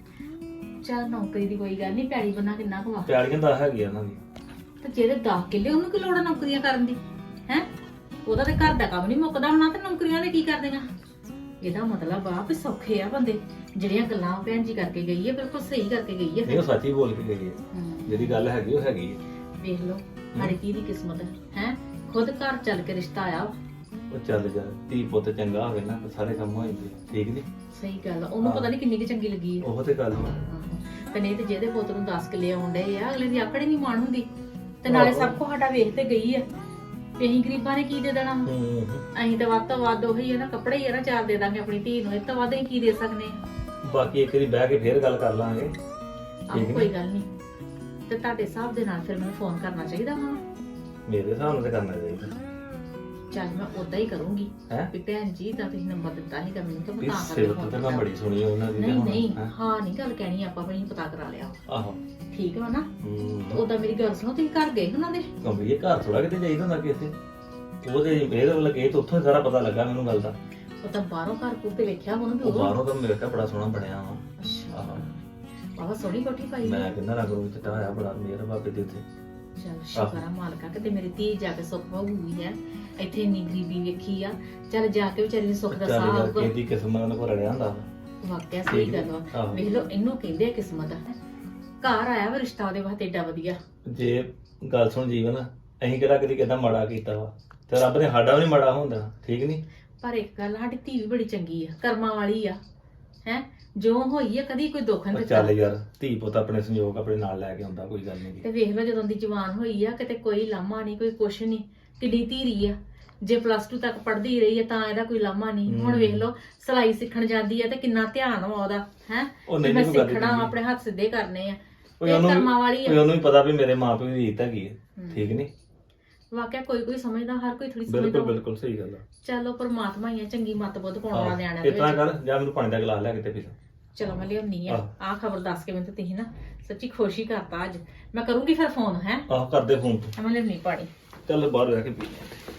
ਚੱਲ ਨੌਕਰੀ ਦੀ ਕੋਈ ਗੱਲ ਨਹੀਂ, ਪੈੜੀ ਬੰਨਾ ਕਿੰਨਾ ਕੁ ਵਾ। ਪਿਆਲੀਆਂ ਦਾ ਹੈਗੀ ਉਹਨਾਂ ਦੀ। ਤੇ ਜਿਹਦੇ 10 ਕਿੱਲੇ ਉਹਨੂੰ ਕੀ ਲੋੜ ਆ ਨੌਕਰੀਆਂ ਕਰਨ ਦੀ ਹੈ? ਉਹਦਾ ਤੇ ਘਰ ਦਾ ਕੰਮ ਨਹੀਂ ਮੁੱਕਦਾ ਹੋਣਾ ਤੇ ਨੌਕਰੀਆਂ ਦੇ ਕੀ ਕਰਦੀਆਂ? ਇਹਦਾ ਮਤਲਬ ਆ ਵੀ ਸੌਖੇ ਆ ਬੰਦੇ। ਜਿਹੜੀਆਂ ਗੱਲਾਂ ਭੈਣ ਜੀ ਕਰਕੇ ਗਈ ਹੈ ਬਿਲਕੁਲ ਸਹੀ ਕਰਕੇ ਗਈ ਹੈ। ਨਹੀਂ ਉਹ ਸੱਚ ਹੀ ਬੋਲ ਕੇ ਗਈ ਹੈ, ਹੂੰ। ਜਿਹੜੀ ਗੱਲ ਹੈਗੀ ਉਹ ਹੈਗੀ ਹੈ। ਵੇਖ ਲਓ ਸਾਡੀ ਧੀ ਦੀ ਕਿਸਮਤ ਹੈ ਖੁਦ ਘਰ ਚੱਲ ਕੇ ਰਿਸ਼ਤਾ ਆਇਆ ਵਾ। ਉਹ ਚੱਲ ਜਾ, ਧੀ ਪੁੱਤ ਚੰਗਾ ਹੋਵੇ ਨਾ ਤਾਂ ਸਾਰੇ ਕੰਮ ਹੋ ਜਾਂਦੇ ਆ, ਠੀਕ ਨੀ? ਸਹੀ ਗੱਲ ਆ। ਉਹਨੂੰ ਪਤਾ ਨਹੀਂ ਕਿੰਨੀ ਕੁ ਚੰਗੀ ਲੱਗੀ ਹੈ। ਉਹ ਤੇ ਗੱਲ ਵਾ। ਆਹੋ। ਤੇ ਨਹੀਂ ਤੇ ਜਿਹਦੇ ਪੁੱਤ ਨੂੰ 10 ਕਿੱਲੇ ਆਉਂਦੇ ਆ ਅਗਲੇ ਦੀ ਆਕੜ ਨਹੀਂ ਮਾਣ ਹੁੰਦੀ। ਤੇ ਨਾਲੇ ਸਭ ਕੁਝ ਸਾਡਾ ਵੇਖ ਤੇ ਗਈ ਆ ਵੀ ਅਸੀਂ ਗਰੀਬਾਂ ਨੇ ਕੀ ਦੇ ਦੇਣਾ ਵਾ। ਅਸੀਂ ਤਾਂ ਵੱਧ ਤੋਂ ਵੱਧ ਉਹੀ ਹੈ ਨਾ, ਕੱਪੜੇ ਹੀ ਆ ਨਾ ਚਾਰ ਦੇ ਦਾਂਗੇ ਆਪਣੀ ਧੀ ਨੂੰ। ਇਹ ਤੋਂ ਵੱਧ ਅਸੀਂ ਕੀ ਦੇ ਸਕਦੇ ਆ? ਬਾਕੀ ਇੱਕ ਵਾਰੀ ਬਹਿ ਕੇ ਫੇਰ ਗੱਲ ਕਰ ਲਾਂਗੇ। ਆਹ ਕੋਈ ਗੱਲ ਨਹੀਂ। ਤੇ ਤੁਹਾਡੇ ਹਿਸਾਬ ਦੇ ਨਾਲ ਫਿਰ ਮੈਨੂੰ ਫੋਨ ਕਰਨਾ ਚਾਹੀਦਾ ਵਾ? ਮੇਰੇ ਹਿਸਾਬ ਨਾਲ ਤੇ ਕਰਨਾ ਚਾਹੀਦਾ। ਚੱਲ ਮੈਂ ਉਦਾਂ ਹੀ ਕਰੂੰਗੀ ਹੈਂ? ਵੀ ਭੈਣ ਜੀ ਦਾ ਤੁਸੀਂ ਨੰਬਰ ਦਿੱਤਾ ਸੀਗਾ ਮੈਨੂੰ ਤਾਂ ਮੈਂ ਵੀ ਤਾਂ ਕਰਕੇ ਸਿਫਤ ਫੋਨ ਤੇ ਮੈਂ ਕੀਤਾ। ਬੜੀ ਸੁਣੀ ਉਹਨਾਂ ਦੀ ਤੇ ਨਹੀਂ ਹੁਣ, ਨਹੀਂ ਹੈਂ? ਹਾਂ ਨਹੀਂ ਗੱਲ ਕਹਿਣੀ ਆਪਾਂ ਵੀ ਪਤਾ ਕਰਾ ਲਿਆ। ਆਹੋ। ਠੀਕ ਵਾ ਨਾ? ਹੂੰ। ਉਦਾਂ ਮੇਰੀ ਗੱਲ ਸੁਣੋ, ਤੁਸੀਂ ਘਰ ਗਏ ਉਹਨਾਂ ਦੇ? ਕੰਬੀ ਇਹ ਘਰ ਥੋੜਾ ਕਿਤੇ ਜਾਈਦਾ ਹੁੰਦਾ ਕਿਸੇ। ਉਹਦੇ ਇਹਦੇ ਵੱਲ ਗਏ ਤੇ ਉੱਥੋਂ ਹੀ ਸਾਰਾ ਪਤਾ ਲੱਗਾ ਮੈਨੂੰ ਗੱਲ ਦਾ। ਉਹ ਤਾਂ ਬਾਹਰੋਂ ਘਰ ਕੋਲ ਤੇ ਵੇਖਿਆ ਉਹਨੂੰ ਵੀ ਉਹ ਉਹ। ਬਾਹਰੋਂ ਤਾਂ ਮੇਰੇ ਤਾਂ ਬੜਾ ਸੋਹਣਾ ਬਣਿਆ ਵਾ। ਅੱਛਾ ਆਹੋ। ਬਾਬਾ ਸੋਹਣੀ ਕੋਠੀ ਪਾਈ ਮੈਂ ਹੈ। ਕਹਿੰਦਾ ਰੰਗ ਰੂਪ ਚਿੱਟਾ ਹੋਇਆ ਬੜਾ ਮੇਰਾ ਬਾਬੇ ਦੇ ਉੱਤੇ। ਚੱਲ ਸ਼ੁਕਰ ਆ ਮਾਲਕਾ ਕਿਤੇ ਮੇਰੀ ਧੀ ਜਾ ਕੇ ਸੁੱਖ ਹੋਊਗੀ ਹੈ। ਇੱਥੇ ਇੰਨੀ ਗਰੀਬੀ ਵੇਖੀ ਆ, ਚੱਲ ਜਾ ਕੇ ਵਿਚਾਰੀ ਨੂੰ ਸੁੱਖ ਦਾ ਚੱਲ ਸਾਹ ਯਾਰ ਆਊਗਾ। ਇਹਦੀ ਕਿਸਮਤ ਨਾਲ ਕੋ ਰੜਿਆ ਹੁੰਦਾ ਵਾ। ਵਾਕਿਆ ਸਹੀ ਗੱਲ ਵਾ। ਆਹੋ। ਵੇਖ ਲਓ ਇਹਨੂੰ ਕਹਿੰਦੇ ਆ ਕਿਸਮਤ। ਘਰ ਆਇਆ ਵਾ ਰਿਸ਼ਤਾ ਉਹਦੇ ਵਾਸਤੇ ਏਡਾ ਵਧੀਆ। ਜੇ ਗੱਲ ਸੁਣ ਜੀਵਨ, ਅਸੀਂ ਕਿਹੜਾ ਕਦੀ ਕਿਦਾਂ ਮਾੜਾ ਕੀਤਾ ਵਾ, ਤੇ ਰੱਬ ਨੇ ਸਾਡਾ ਵੀ ਨੀ ਮਾੜਾ ਹੁੰਦਾ, ਠੀਕ ਨੀ? ਪਰ ਇੱਕ ਗੱਲ ਸਾਡੀ ਧੀ ਵੀ ਬੜੀ ਚੰਗੀ ਆ, ਕਰਮਾਂ ਵਾਲੀ ਆ ਹੈ। ਜੋ ਹੋਈ ਆ ਕਦੀ ਕੋਈ ਦੁੱਖ ਉਹ ਨਹੀਂ ਚੱਲ ਦਿੱਤਾ। ਯਾਰ ਧੀ ਪੁੱਤ ਆਪਣੇ ਸੰਯੋਗ ਆਪਣੇ ਨਾਲ ਲੈ ਕੇ ਆਉਂਦਾ, ਕੋਈ ਗੱਲ ਤੇ ਨਹੀਂ। ਵੇਖ ਲਓ ਜਦੋਂ ਦੀ ਜਵਾਨ ਹੋਈ ਆ ਕਿਤੇ ਕੋਈ ਲਾਮਾ ਨਹੀਂ, ਕੋਈ ਕੁਛ ਨਹੀਂ, ਕਿੱਡੀ ਧੀਰੀ ਆ। ਜੇ ਪਲੱਸ 2 ਤੱਕ ਪੜ੍ਹਦੀ ਰਹੀ ਹੈ ਤਾਂ ਇਹਦਾ ਕੋਈ ਲਾਮਾ ਨਹੀਂ। ਹੁਣ ਵੇਖ ਲਓ ਸਿਲਾਈ ਸਿੱਖਣ ਜਾਂਦੀ ਹੈ ਤੇ ਕਿੰਨਾ ਧਿਆਨ ਵਾ ਉਹਦਾ ਹੈ। ਉਹ ਨਹੀਂ ਮੈਂ ਕੋਈ ਗੱਲ ਸਿੱਖਣਾ ਨਹੀਂ। ਆਪਣੇ ਹੱਥ ਸਿੱਧੇ ਕਰਨੇ ਆ ਓਏ ਇਹ ਉਹਨੂੰ ਕਰਮਾਂ ਵਾਲੀ ਓਏ ਆ। ਉਹਨੂੰ ਵੀ ਪਤਾ ਵੀ ਮੇਰੇ ਮਾਪਿਓ ਦੀ ਰੀਤ ਹੈਗੀ ਹੈ, ਠੀਕ ਨਹੀਂ? ਵਾਕਿਆ ਕੋਈ ਕੋਈ ਸਮਝਦਾ, ਹਰ ਕੋਈ ਥੋੜੀ ਸਮਝਦਾ। ਬਿਲਕੁਲ ਬਿਲਕੁਲ ਸਹੀ ਗੱਲ ਆ। ਚਲੋ ਪਰਮਾਤਮਾ ਹੀ ਆ, ਚੰਗੀ ਮੱਤ ਬੁੱਧ ਪਾਉਣ ਵਾਲਾ ਨਿਆਣਾ ਦੇ ਇਤਨਾ ਵਿੱਚ। ਕਰ, ਜਾਂ ਮੈਨੂੰ ਪਾਣੀ ਦਾ ਗਲਾਸ ਲੈ ਕੇ ਤੇ ਪੀ ਲੈ। ਚਲੋ ਮੈਂ ਲਿਆਉਣੀ ਆ। ਆਹ। ਆਹ ਖਬਰ ਦੱਸ ਕੇ ਮੈਨੂੰ ਤੇ ਤੁਸੀਂ ਨਾ ਸੱਚੀ ਖੁਸ਼ੀ ਕਰਤਾ ਅੱਜ। ਮੈਂ ਕਰੂੰਗੀ ਫਿਰ ਫੋਨ ਹੈ। ਆਹ ਕਰਦੇ ਫੋਨ ਤੇ। ਮੈਂ ਲਿਆਉਣੀ ਪਾਣੀ। ਚੱਲ ਬਾਹਰ ਜਾ ਕੇ ਪੀ ਲੈ।